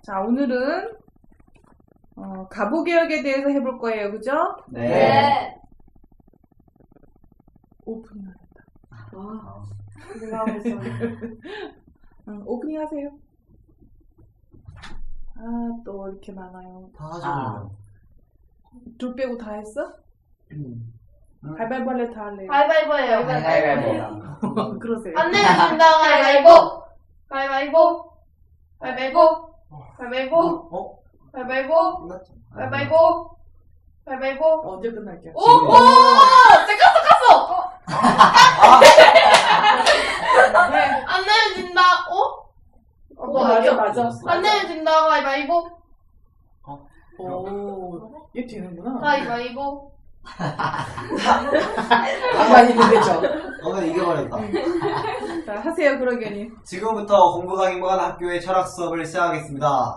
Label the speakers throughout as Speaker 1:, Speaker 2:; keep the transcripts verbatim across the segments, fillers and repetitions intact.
Speaker 1: 자, 오늘은 어, 가보개혁에 대해서 해볼 거예요. 그죠?
Speaker 2: 네.
Speaker 3: 네.
Speaker 1: 오프닝 하겠다.
Speaker 3: 아, 내가 하고 있어.
Speaker 1: 응, 오프닝 하세요. 아, 또 이렇게 많아요.
Speaker 2: 다 하셨네요.
Speaker 1: 둘 빼고 다 했어?
Speaker 2: 음.
Speaker 1: 발발발레 다 할래요.
Speaker 3: 가위바위보예요.
Speaker 2: 가위바위보.
Speaker 1: 그러세요.
Speaker 3: 안 내면 진다. 가위바위보. 가위바위보. 가위바위보. 가위바위보.
Speaker 2: 어?
Speaker 3: 가위바위보.
Speaker 2: 끝났죠?
Speaker 3: 가위바위보. 가위바위보.
Speaker 1: 언제 끝날게요?
Speaker 3: 오! 오! 깠어 깠어!
Speaker 1: 네.
Speaker 3: 안 내면 진다. 어?
Speaker 1: 어, 맞아, 맞아.
Speaker 3: 안 내면 진다. 가위바위보.
Speaker 1: 오, 얘 되는구나.
Speaker 3: 가위바위보.
Speaker 1: 가만히 있는 데죠.
Speaker 2: 오늘 이겨버렸다.
Speaker 1: 자, 하세요, 그러게니.
Speaker 2: 지금부터 공부가 행복한 학교의 철학 수업을 시작하겠습니다.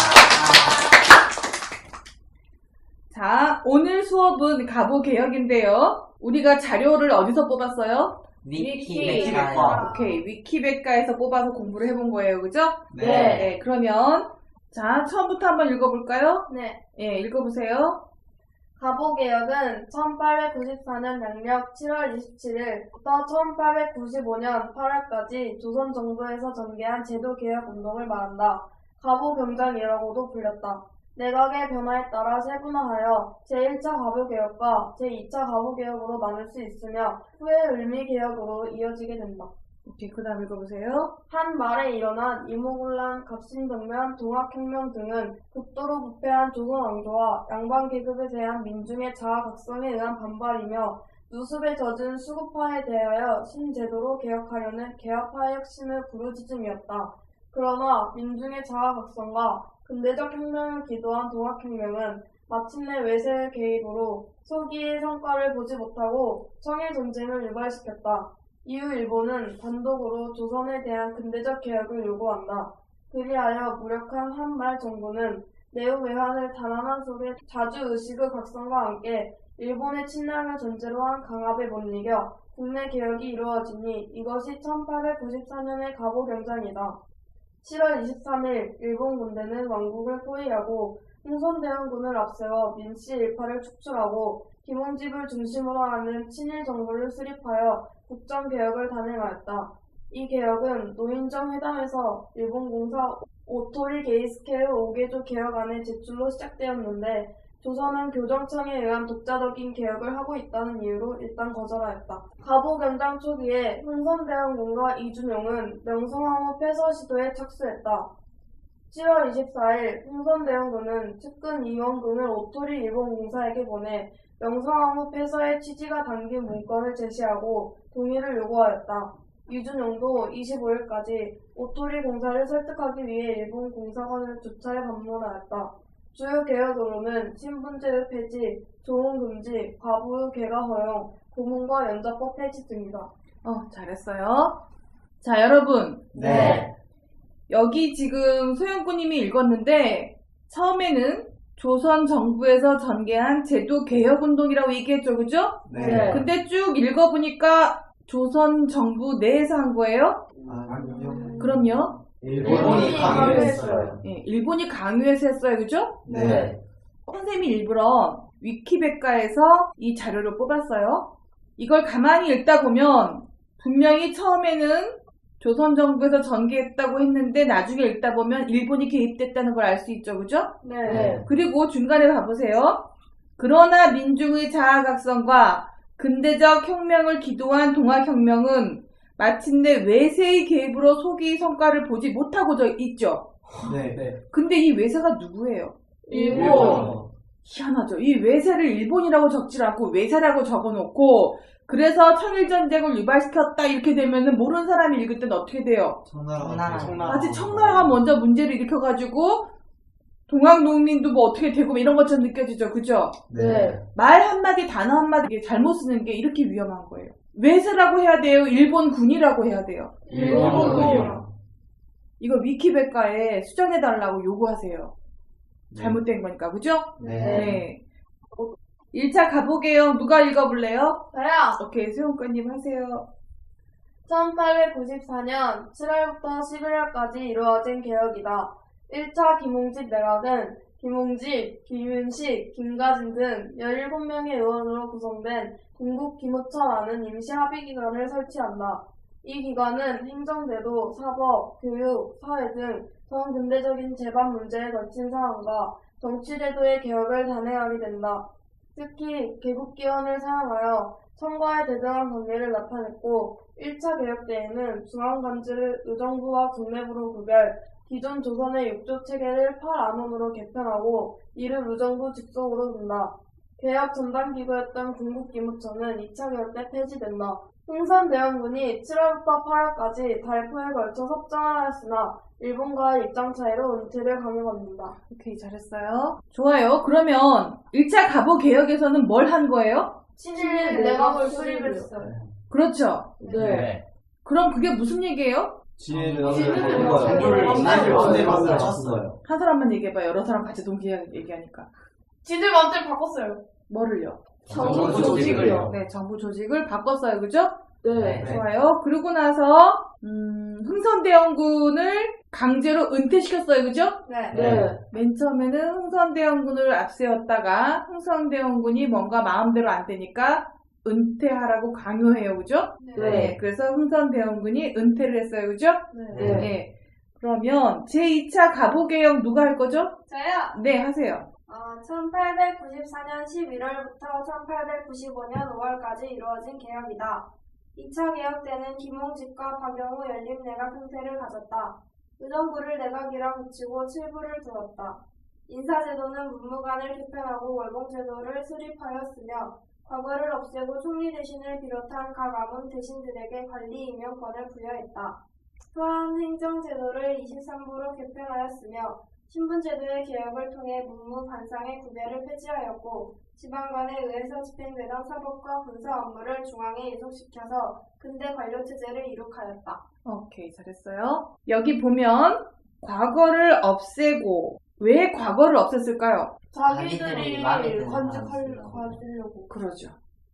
Speaker 1: 자, 오늘 수업은 가보개혁인데요. 우리가 자료를 어디서 뽑았어요?
Speaker 2: 위키백과.
Speaker 1: 오케이, 위키백과에서 뽑아서 공부를 해본 거예요. 그죠?
Speaker 2: 네.
Speaker 1: 네, 그러면 자, 처음부터 한번 읽어볼까요?
Speaker 3: 네.
Speaker 1: 예, 읽어보세요.
Speaker 3: 가보개혁은 천팔백구십사 년 양력 칠월 이십칠일부터 천팔백구십오 년 팔월까지 조선 정부에서 전개한 제도개혁 운동을 말한다. 가보경장이라고도 불렸다. 내각의 변화에 따라 세분화하여 제일 차 가보개혁과 제이 차 가보개혁으로 나눌 수 있으며 후에 을미개혁으로 이어지게 된다.
Speaker 1: 오케이, 그 다음 읽어보세요.
Speaker 3: 한 말에 일어난 이모군란, 갑신정면, 동학혁명 등은 극도로 부패한 조선 왕조와 양반계급에 대한 민중의 자아각성에 의한 반발이며 누습에 젖은 수구파에 대하여 신제도로 개혁하려는 개혁파의 혁신의 부르짖음이었다. 그러나 민중의 자아각성과 근대적 혁명을 기도한 동학혁명은 마침내 외세의 개입으로 소기의 성과를 보지 못하고 청일전쟁을 유발시켰다. 이후 일본은 단독으로 조선에 대한 근대적 개혁을 요구한다. 그리하여 무력한 한말 정부는 내후 외환을 단안한 속에 자주 의식의 각성과 함께 일본의 침략을 전제로 한 강압에 못 이겨 국내 개혁이 이루어지니 이것이 천팔백구십사 년의 가보경장이다. 칠월 이십삼일 일본 군대는 왕국을 포위하고 흥선대원군을 앞세워 민씨 일파를 축출하고 김홍집을 중심으로 하는 친일 정부를 수립하여 국정개혁을 단행하였다. 이 개혁은 노인정 회담에서 일본 공사 오토리 게이스케의 오 개조 개혁안의 제출로 시작되었는데 조선은 교정청에 의한 독자적인 개혁을 하고 있다는 이유로 일단 거절하였다. 가보경장 초기에 흥선대원군과 이준용은 명성황후 폐서 시도에 착수했다. 칠월 이십사일 흥선대원군은 측근 이원군을 오토리 일본 공사에게 보내 명성황후 폐서의 취지가 담긴 문건을 제시하고 동의를 요구하였다. 이준용도 이십오일까지 오토리 공사를 설득하기 위해 일본 공사관을 두 차례 방문하였다. 주요 개혁으로는 신분제의 폐지, 조문 금지, 과부의 개가 허용, 고문과 연좌법 폐지 등이다.
Speaker 1: 어, 잘했어요. 자, 여러분.
Speaker 2: 네.
Speaker 1: 여기 지금 소영구님이 읽었는데 처음에는 조선 정부에서 전개한 제도 개혁 운동이라고 얘기했죠, 그죠?
Speaker 2: 네.
Speaker 1: 근데 쭉 읽어보니까 조선 정부 내에서 한 거예요?
Speaker 2: 아니요.
Speaker 1: 그럼요.
Speaker 2: 일본이 강요했어요.
Speaker 1: 예, 일본이 강요해서 했어요, 그죠?
Speaker 2: 네.
Speaker 1: 선생님이 일부러 위키백과에서 이 자료를 뽑았어요. 이걸 가만히 읽다 보면 분명히 처음에는 조선 정부에서 전개했다고 했는데 나중에 읽다 보면 일본이 개입됐다는 걸 알 수 있죠, 그죠?
Speaker 3: 네.
Speaker 2: 네.
Speaker 1: 그리고 중간에 봐보세요. 그러나 민중의 자아각성과 근대적 혁명을 기도한 동학혁명은 마침내 외세의 개입으로 소기의 성과를 보지 못하고 저 있죠.
Speaker 2: 네. 네.
Speaker 1: 근데 이 외세가 누구예요?
Speaker 3: 일본.
Speaker 1: 희한하죠. 이 외세를 일본이라고 적지 않고 외세라고 적어놓고 그래서 청일전쟁을 유발시켰다 이렇게 되면은 모르는 사람이 읽을 때는 어떻게 돼요?
Speaker 2: 청나라. 청나라.
Speaker 1: 마치 청나라가 먼저 문제를 일으켜가지고 동학농민도 뭐 어떻게 되고 뭐 이런 것처럼 느껴지죠. 그죠?
Speaker 2: 네.
Speaker 1: 말 한마디 단어 한마디 잘못 쓰는 게 이렇게 위험한 거예요. 외세라고 해야 돼요? 일본군이라고 해야 돼요?
Speaker 2: 일본군이요.
Speaker 1: 이거 위키백과에 수정해달라고 요구하세요. 잘못된 거니까. 그죠?
Speaker 2: 네.
Speaker 1: 네. 일 차 가보개혁 누가 읽어볼래요?
Speaker 3: 저요.
Speaker 1: 오케이, 수영과님 하세요.
Speaker 3: 천팔백구십사 년 칠월부터 십일월까지 이루어진 개혁이다. 일 차 김홍집 내각은 김홍집, 김윤식, 김가진 등 열일곱 명의 의원으로 구성된 군국기무처라는 임시 합의기관을 설치한다. 이 기관은 행정제도, 사법, 교육, 사회 등 전 근대적인 제반 문제에 걸친 사안과 정치제도의 개혁을 단행하게 된다. 특히 개국기원을 사용하여 청과의 대등한 관계를 나타냈고 일 차 개혁 때에는 중앙관제를 의정부와 국내부로 구별, 기존 조선의 육조 체계를 팔 안원으로 개편하고 이를 의정부 직속으로 둔다. 개혁 전담기구였던 군국기무처는 이 차 개혁 때 폐지된다. 흥선대원군이 칠월부터 팔월까지 달포에 걸쳐 섭정을 하였으나 일본과의 입장 차이로 은퇴를 강요받는다.
Speaker 1: 오케이, 잘했어요. 좋아요. 그러면 일 차 갑오 개혁에서는 뭘 한 거예요?
Speaker 3: 친일 내각을 수립했어요.
Speaker 1: 그렇죠.
Speaker 4: 네.
Speaker 1: 그럼 그게 무슨 얘기예요?
Speaker 2: 진해를
Speaker 3: 진해를
Speaker 2: 정부를
Speaker 3: 정부를
Speaker 2: 진해를 만들어 쳤어요.
Speaker 1: 한 사람만 얘기해봐. 여러 사람 같이 동시에 얘기하니까.
Speaker 3: 진일 맘대로 바꿨어요.
Speaker 1: 뭐를요?
Speaker 3: 정부
Speaker 2: 조직을요.
Speaker 1: 네, 정부 조직을 바꿨어요. 그죠?
Speaker 3: 네.
Speaker 2: 네.
Speaker 1: 좋아요. 그러고 나서 음, 흥선대원군을 강제로 은퇴시켰어요. 그죠?
Speaker 3: 네.
Speaker 2: 네.
Speaker 1: 맨 처음에는 흥선대원군을 앞세웠다가 흥선대원군이 뭔가 마음대로 안 되니까 은퇴하라고 강요해요. 그죠?
Speaker 3: 네.
Speaker 1: 그래서 흥선대원군이 은퇴를 했어요. 그죠?
Speaker 3: 네.
Speaker 1: 네. 그러면 제이 차 갑오개혁 누가 할 거죠?
Speaker 5: 저요.
Speaker 1: 네, 하세요.
Speaker 5: 어, 천팔백구십사 년 십일월부터 천팔백구십오 년 오월까지 이루어진 개혁이다. 이 차 개혁 때는 김홍집과 박영우 연립내각 형태를 가졌다. 의정부를 내각이라 붙이고 칠부를 두었다. 인사제도는 문무관을 개편하고 월봉제도를 수립하였으며 과거를 없애고 총리 대신을 비롯한 각 아문 대신들에게 관리 임명권을 부여했다. 또한 행정제도를 이십삼 부로 개편하였으며 신분제도의 개혁을 통해 문무 반상의 구별을 폐지하였고 지방관에 의해서 집행되던 사법과 군사 업무를 중앙에 이속시켜서 근대 관료체제를 이룩하였다.
Speaker 1: 오케이, 잘했어요. 여기 보면 과거를 없애고 왜 과거를 없앴을까요?
Speaker 3: 자기들이
Speaker 4: 마음에 드는
Speaker 3: 관직할
Speaker 4: 사람
Speaker 3: 가지려고.
Speaker 1: 그러죠.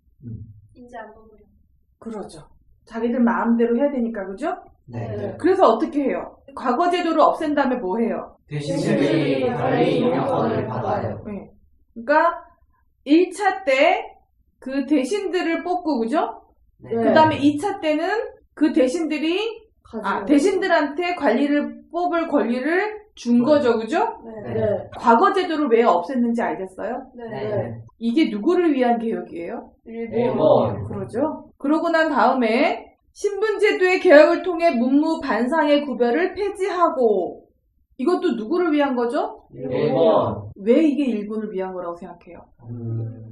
Speaker 5: 인지 안 보고요.
Speaker 1: 그러죠. 자기들 마음대로 해야 되니까, 그죠?
Speaker 2: 네.
Speaker 3: 네.
Speaker 1: 그래서 어떻게 해요? 과거 제도를 없앤 다음에 뭐 해요?
Speaker 2: 대신들이 관리 임명권을 받아요.
Speaker 1: 네. 그러니까 일 차 때 그 대신들을 뽑고, 그죠?
Speaker 4: 네.
Speaker 1: 그 다음에 이 차 때는 그 대신들이 아, 대신들한테 관리를 뽑을 권리를 준 거죠, 그죠?
Speaker 3: 네.
Speaker 4: 네.
Speaker 1: 과거 제도를 왜 없앴는지 알겠어요?
Speaker 3: 네.
Speaker 4: 네.
Speaker 1: 이게 누구를 위한 개혁이에요?
Speaker 4: 일본.
Speaker 1: 그러죠. 그러고 난 다음에 신분제도의 개혁을 통해 문무 반상의 구별을 폐지하고 이것도 누구를 위한 거죠?
Speaker 4: 일본.
Speaker 1: 왜 이게 일본을 위한 거라고 생각해요?
Speaker 2: 음,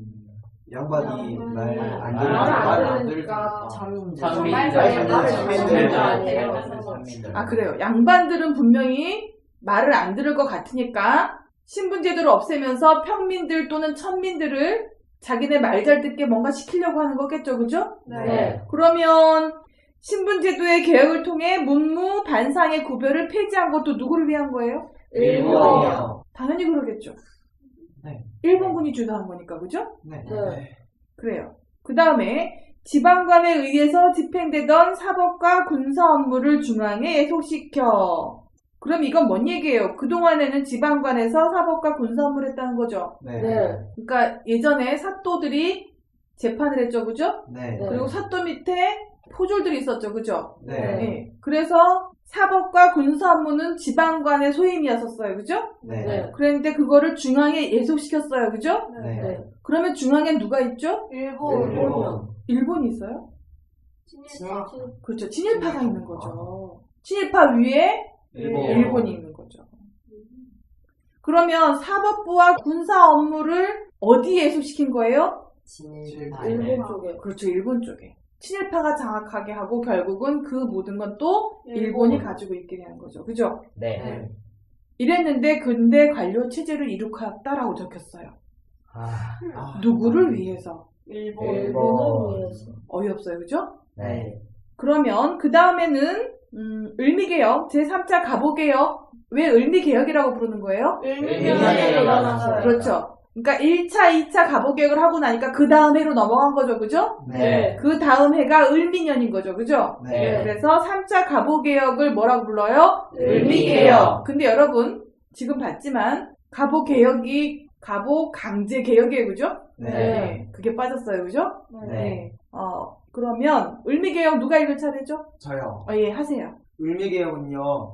Speaker 2: 양반이
Speaker 3: 음,
Speaker 2: 말 안
Speaker 3: 말을
Speaker 2: 들으니까
Speaker 3: 안
Speaker 2: 말
Speaker 3: 들으니까
Speaker 4: 자민들.
Speaker 3: 자민들.
Speaker 4: 자민들.
Speaker 3: 자민들.
Speaker 1: 아, 그래요. 양반들은 분명히 말을 안 들을 것 같으니까 신분제도를 없애면서 평민들 또는 천민들을 자기네 말 잘 듣게 뭔가 시키려고 하는 거겠죠, 그죠?
Speaker 3: 네.
Speaker 1: 그러면 신분제도의 개혁을 통해 문무 반상의 구별을 폐지한 것도 누구를 위한 거예요?
Speaker 4: 일본이요.
Speaker 1: 당연히 그러겠죠.
Speaker 2: 네.
Speaker 1: 일본군이 주도한 거니까, 그죠?
Speaker 2: 네.
Speaker 3: 네.
Speaker 1: 그래요. 그 다음에 지방관에 의해서 집행되던 사법과 군사 업무를 중앙에 예속시켜. 그럼 이건 뭔 얘기예요? 그동안에는 지방관에서 사법과 군사 업무를 했다는 거죠.
Speaker 2: 네.
Speaker 3: 네.
Speaker 1: 그러니까 예전에 사또들이 재판을 했죠, 그죠?
Speaker 2: 네.
Speaker 1: 그리고 사또 밑에 포졸들이 있었죠, 그죠?
Speaker 2: 네.
Speaker 1: 네. 그래서 사법과 군사 업무는 지방관의 소임이었었어요, 그죠?
Speaker 2: 네.
Speaker 3: 네.
Speaker 1: 그런데 그거를 중앙에 예속시켰어요, 그죠?
Speaker 2: 네.
Speaker 3: 네.
Speaker 1: 그러면 중앙엔 누가 있죠?
Speaker 3: 일본.
Speaker 2: 일본.
Speaker 1: 일본이 있어요?
Speaker 5: 친일파.
Speaker 1: 그렇죠. 친일파가 있는 거죠. 친일파 위에
Speaker 2: 일본.
Speaker 1: 일본이 있는 거죠. 그러면 사법부와 군사 업무를 어디에 예속시킨 거예요?
Speaker 4: 친일파.
Speaker 3: 일본 쪽에.
Speaker 1: 그렇죠. 일본 쪽에. 친일파가 장악하게 하고 결국은 그 모든 건 또 일본이
Speaker 3: 일본.
Speaker 1: 가지고 있게 되는 거죠. 그죠?
Speaker 4: 네.
Speaker 2: 네.
Speaker 1: 이랬는데 근대 관료 체제를 이룩하였다라고 적혔어요.
Speaker 4: 아.
Speaker 2: 아,
Speaker 1: 누구를 위해서?
Speaker 3: 일본.
Speaker 4: 일본.
Speaker 3: 위해서.
Speaker 1: 어이없어요. 그죠?
Speaker 4: 네.
Speaker 1: 그러면 그 다음에는 음, 을미개혁, 제삼 차 갑오개혁. 왜 을미개혁이라고 부르는 거예요?
Speaker 3: 일본에 일어났어요.
Speaker 1: 그렇죠. 그러니까 일 차, 이 차 갑오개혁을 하고 나니까 그 다음 해로 넘어간 거죠. 그죠?
Speaker 2: 네.
Speaker 1: 그 다음 해가 을미년인 거죠. 그죠?
Speaker 2: 네.
Speaker 1: 그래서 삼 차 갑오개혁을 뭐라고 불러요?
Speaker 4: 을미개혁.
Speaker 1: 근데 여러분, 지금 봤지만 가보 개혁이 가보 강제 개혁이에요, 그죠?
Speaker 2: 네.
Speaker 1: 그게 빠졌어요, 그죠?
Speaker 2: 네.
Speaker 1: 어 그러면 을미 개혁 누가 읽을 차례죠?
Speaker 2: 저요.
Speaker 1: 어, 예, 하세요.
Speaker 2: 을미개혁은요,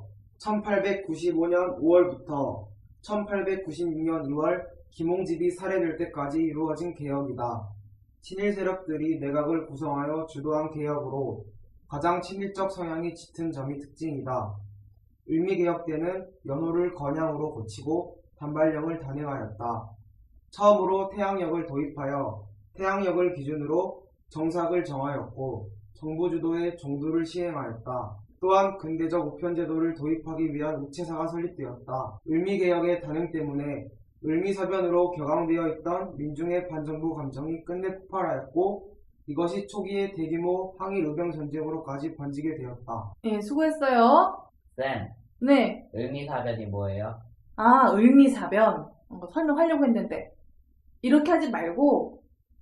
Speaker 2: 천팔백구십오 년 오월부터 천팔백구십육 년 이월 김홍집이 살해될 때까지 이루어진 개혁이다. 친일 세력들이 내각을 구성하여 주도한 개혁으로 가장 친일적 성향이 짙은 점이 특징이다. 을미개혁 때는 연호를 건양으로 고치고 단발령을 단행하였다. 처음으로 태양역을 도입하여 태양역을 기준으로 정삭을 정하였고 정부 주도의 종두를 시행하였다. 또한 근대적 우편제도를 도입하기 위한 우체사가 설립되었다. 을미개혁의 단행 때문에 을미사변으로 격앙되어 있던 민중의 반정부 감정이 끝내 폭발하였고 이것이 초기의 대규모 항일 의병 전쟁으로까지 번지게 되었다.
Speaker 1: 예, 수고했어요.
Speaker 4: 쌤,
Speaker 1: 네.
Speaker 4: 을미사변이 뭐예요?
Speaker 1: 아, 을미사변. 어, 설명하려고 했는데. 이렇게 하지 말고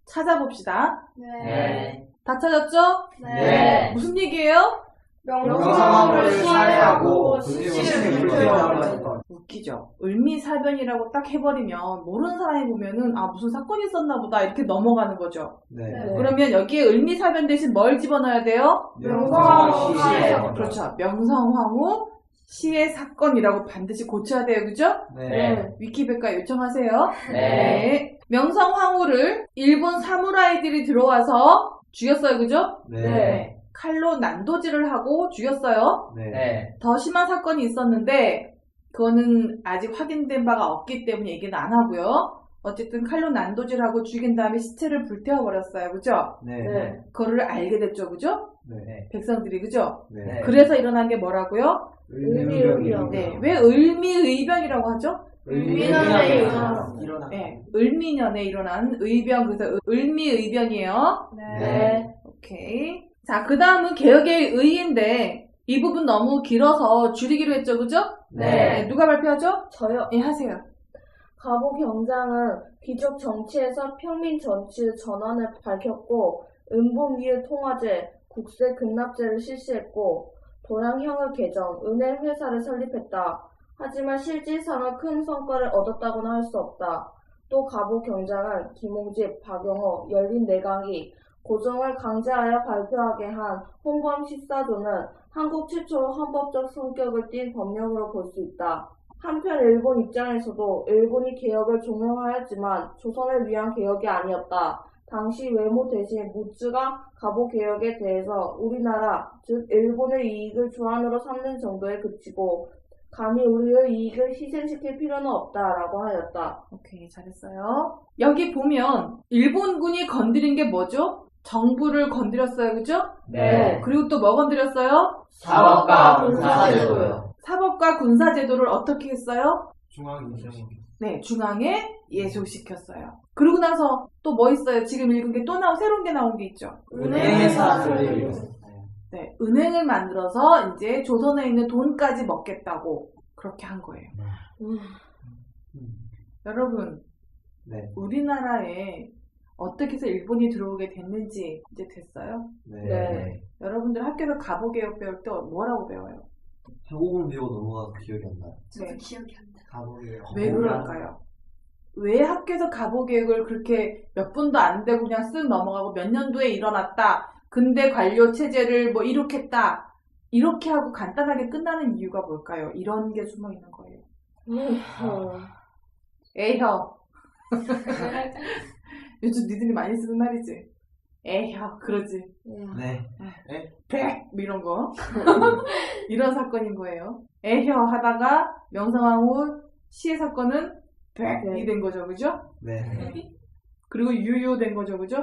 Speaker 1: 찾아봅시다.
Speaker 5: 네.
Speaker 1: 다 찾았죠?
Speaker 5: 네.
Speaker 1: 무슨 얘기예요?
Speaker 2: 명성황후를 살해하고
Speaker 5: 시신을
Speaker 2: 불태우고
Speaker 5: 불태우고
Speaker 2: 했던.
Speaker 1: 웃기죠. 을미사변이라고 딱 해버리면 모르는 사람이 보면은 아 무슨 사건이 있었나 보다 이렇게 넘어가는 거죠.
Speaker 2: 네.
Speaker 5: 네.
Speaker 1: 그러면 여기에 을미사변 대신 뭘 집어넣어야 돼요?
Speaker 5: 명성황후 시의 사건.
Speaker 1: 그렇죠. 명성황후 시의 사건이라고 반드시 고쳐야 돼요. 그죠?
Speaker 2: 네.
Speaker 1: 위키백과 요청하세요.
Speaker 4: 네.
Speaker 1: 명성황후를 일본 사무라이들이 들어와서 죽였어요. 그죠?
Speaker 2: 네.
Speaker 1: 칼로 난도질을 하고 죽였어요.
Speaker 2: 네.
Speaker 4: 네.
Speaker 1: 더 심한 사건이 있었는데 그거는 아직 확인된 바가 없기 때문에 얘기는 안 하고요. 어쨌든 칼로 난도질하고 죽인 다음에 시체를 불태워버렸어요. 그죠?
Speaker 2: 네.
Speaker 1: 그거를 알게 됐죠. 그죠?
Speaker 2: 네.
Speaker 1: 백성들이. 그죠?
Speaker 2: 네.
Speaker 1: 그래서 일어난 게 뭐라고요?
Speaker 2: 을미의병.
Speaker 1: 네. 왜 을미의병이라고 하죠?
Speaker 5: 을미년에
Speaker 2: 일어나.
Speaker 1: 네. 을미년에 일어난 의병. 그래서 을미의병이에요.
Speaker 5: 네.
Speaker 1: 오케이. 자, 그 다음은 개혁의 의인데 이 부분 너무 길어서 줄이기로 했죠. 그죠?
Speaker 2: 네.
Speaker 1: 누가 발표하죠?
Speaker 3: 저요.
Speaker 1: 예, 하세요.
Speaker 3: 가보 경장은 귀족 정치에서 평민 정치의 전환을 밝혔고 은봉위의 통화제, 국세 급납제를 실시했고 도량형을 개정, 은행 회사를 설립했다. 하지만 실질상은 큰 성과를 얻었다고는 할 수 없다. 또 가보 경장은 김홍집, 박영호, 열린 내각이 고정을 강제하여 발표하게 한 홍범 십사조는 한국 최초로 헌법적 성격을 띤 법령으로 볼 수 있다. 한편 일본 입장에서도 일본이 개혁을 종용하였지만 조선을 위한 개혁이 아니었다. 당시 외모 대신 무츠가 가보 개혁에 대해서 우리나라, 즉 일본의 이익을 주안으로 삼는 정도에 그치고 감히 우리의 이익을 희생시킬 필요는 없다라고 하였다.
Speaker 1: 오케이, 잘했어요. 여기 보면 일본군이 건드린 게 뭐죠? 정부를 건드렸어요. 그죠?
Speaker 4: 네.
Speaker 1: 그리고 또 뭐 건드렸어요?
Speaker 4: 사법과 군사제도요.
Speaker 1: 사법과 군사제도를 어떻게 했어요?
Speaker 2: 중앙인정.
Speaker 1: 네, 중앙에 예속시켰어요. 그러고 나서 또 뭐 있어요? 지금 읽은 게 또 나온 새로운 게 나온 게 있죠.
Speaker 2: 은행회사
Speaker 4: 설립.
Speaker 1: 네, 은행을 만들어서 이제 조선에 있는 돈까지 먹겠다고 그렇게 한 거예요.
Speaker 3: 음.
Speaker 1: 여러분,
Speaker 2: 네.
Speaker 1: 우리나라에 어떻게 해서 일본이 들어오게 됐는지 이제 됐어요?
Speaker 3: 네.
Speaker 1: 여러분들 학교에서 가보개혁 배울 때 뭐라고 배워요?
Speaker 2: 한국은 배우고 넘어가서 기억이 안 나요.
Speaker 1: 네.
Speaker 5: 기억이 안 나.
Speaker 2: 가보게요.
Speaker 1: 왜 그럴까요? 왜 학교에서 가보개혁을 그렇게 몇 분도 안 되고 그냥 쓱 넘어가고 몇 년도에 일어났다. 근대 관료 체제를 뭐 이룩했다. 이렇게 하고 간단하게 끝나는 이유가 뭘까요? 이런 게 숨어 있는 거예요.
Speaker 3: 음.
Speaker 1: 에혀. 요즘 니들이 많이 쓰는 말이지. 에혀, 그러지.
Speaker 2: 네.
Speaker 1: 백! 뭐 이런 거. 이런 사건인 거예요. 에혀 하다가 명성황후 시의 사건은 백이 된 거죠. 그죠?
Speaker 2: 네.
Speaker 1: 그리고 유효 된 거죠. 그죠?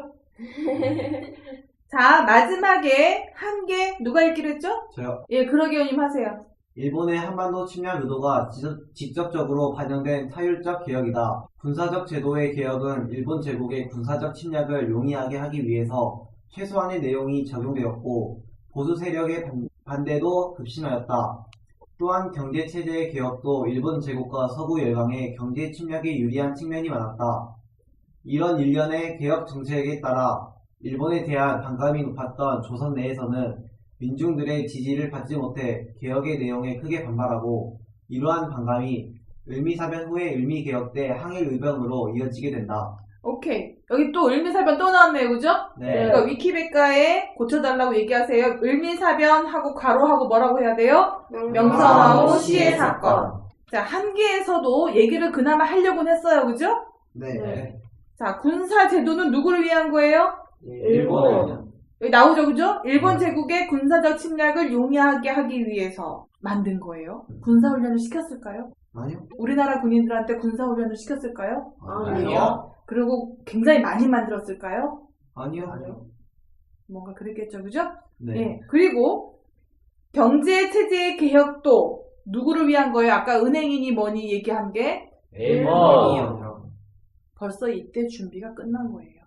Speaker 1: 자, 마지막에 한 개 누가 읽기로 했죠?
Speaker 2: 저요.
Speaker 1: 예, 그러게요님 하세요.
Speaker 2: 일본의 한반도 침략 의도가 지- 직접적으로 반영된 타율적 개혁이다. 군사적 제도의 개혁은 일본 제국의 군사적 침략을 용이하게 하기 위해서 최소한의 내용이 적용되었고 보수 세력의 반- 반대도 급심하였다. 또한 경제체제의 개혁도 일본 제국과 서구 열강의 경제 침략에 유리한 측면이 많았다. 이런 일련의 개혁 정책에 따라 일본에 대한 반감이 높았던 조선 내에서는 민중들의 지지를 받지 못해 개혁의 내용에 크게 반발하고 이러한 반감이 을미사변 후에 을미개혁 때 항일의병으로 이어지게 된다.
Speaker 1: 오케이. 여기 또 을미사변 또 나왔네요, 그죠?
Speaker 4: 네.
Speaker 1: 그러니까 위키백과에 고쳐달라고 얘기하세요. 을미사변하고 괄호하고 뭐라고 해야 돼요? 명성하고 시의 사건. 자, 한계에서도 얘기를 그나마 하려고는 했어요, 그죠?
Speaker 2: 네.
Speaker 3: 네.
Speaker 1: 자, 군사제도는 누구를 위한 거예요?
Speaker 4: 일본은요?
Speaker 1: 여기 나오죠, 그죠? 일본
Speaker 2: 네.
Speaker 1: 제국의 군사적 침략을 용이하게 하기 위해서 만든 거예요. 군사훈련을 시켰을까요?
Speaker 2: 아니요.
Speaker 1: 우리나라 군인들한테 군사훈련을 시켰을까요?
Speaker 4: 아니요.
Speaker 1: 그리고 굉장히 많이 만들었을까요?
Speaker 2: 아니요.
Speaker 1: 뭔가 그랬겠죠, 그죠?
Speaker 2: 네.
Speaker 1: 예. 그리고 경제 체제의 개혁도 누구를 위한 거예요? 아까 은행이니 뭐니 얘기한 게
Speaker 4: 일본.
Speaker 2: 일본이요.
Speaker 1: 벌써 이때 준비가 끝난 거예요.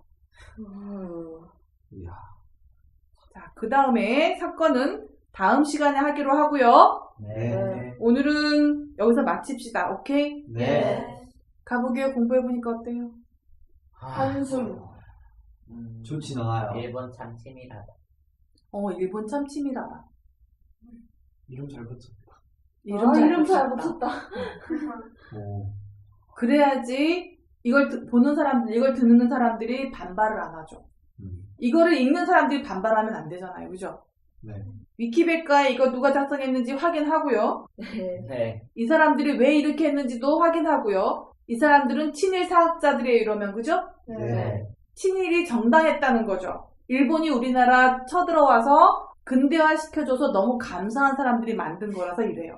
Speaker 2: 이야.
Speaker 1: 자, 그 다음에 사건은 다음 시간에 하기로 하고요.
Speaker 4: 네.
Speaker 1: 오늘은 여기서 마칩시다. 오케이?
Speaker 2: 네.
Speaker 1: 가보게요. 공부해보니까 어때요?
Speaker 3: 한숨.
Speaker 4: 음,
Speaker 2: 좋진 않아요.
Speaker 4: 일본 참 치밀하다.
Speaker 1: 어, 일본 참 치밀하다.
Speaker 2: 이름 잘 붙였다.
Speaker 1: 이름
Speaker 3: 아,
Speaker 1: 잘
Speaker 3: 이름 잘
Speaker 1: 붙였다.
Speaker 3: 붙였다.
Speaker 2: 오.
Speaker 1: 그래야지 이걸 듣- 보는 사람들, 이걸 듣는 사람들이 반발을 안 하죠.
Speaker 2: 음.
Speaker 1: 이거를 읽는 사람들이 반발하면 안 되잖아요. 그죠?
Speaker 2: 네.
Speaker 1: 위키백과에 이거 누가 작성했는지 확인하고요.
Speaker 3: 네.
Speaker 4: 네.
Speaker 1: 이 사람들이 왜 이렇게 했는지도 확인하고요. 이 사람들은 친일 사학자들이에요. 이러면 그죠?
Speaker 2: 네.
Speaker 1: 친일이 정당했다는 거죠. 일본이 우리나라 쳐들어와서 근대화 시켜줘서 너무 감사한 사람들이 만든 거라서 이래요.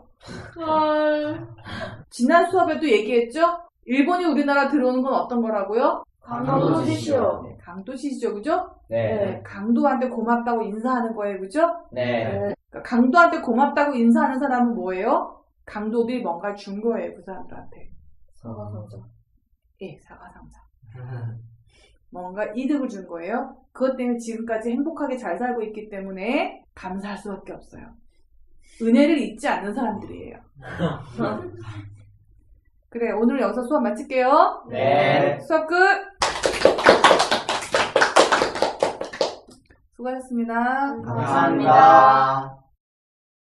Speaker 1: 지난 수업에도 얘기했죠? 일본이 우리나라 들어오는 건 어떤 거라고요?
Speaker 3: 강도지시오.
Speaker 1: 네, 강도시죠, 그죠?
Speaker 4: 네.
Speaker 1: 네, 강도한테 고맙다고 인사하는 거예요, 그죠?
Speaker 4: 네.
Speaker 1: 그러니까 강도한테 고맙다고 인사하는 사람은 뭐예요? 강도들이 뭔가 준 거예요, 그 사람들한테.
Speaker 3: 사과상자.
Speaker 1: 예, 사과상자. 뭔가 이득을 준 거예요. 그것 때문에 지금까지 행복하게 잘 살고 있기 때문에 감사할 수밖에 없어요. 은혜를 잊지 않는 사람들이에요. 그래, 오늘 여기서 수업 마칠게요.
Speaker 4: 네.
Speaker 1: 수업 끝! 수고하셨습니다.
Speaker 3: 감사합니다.
Speaker 4: 감사합니다.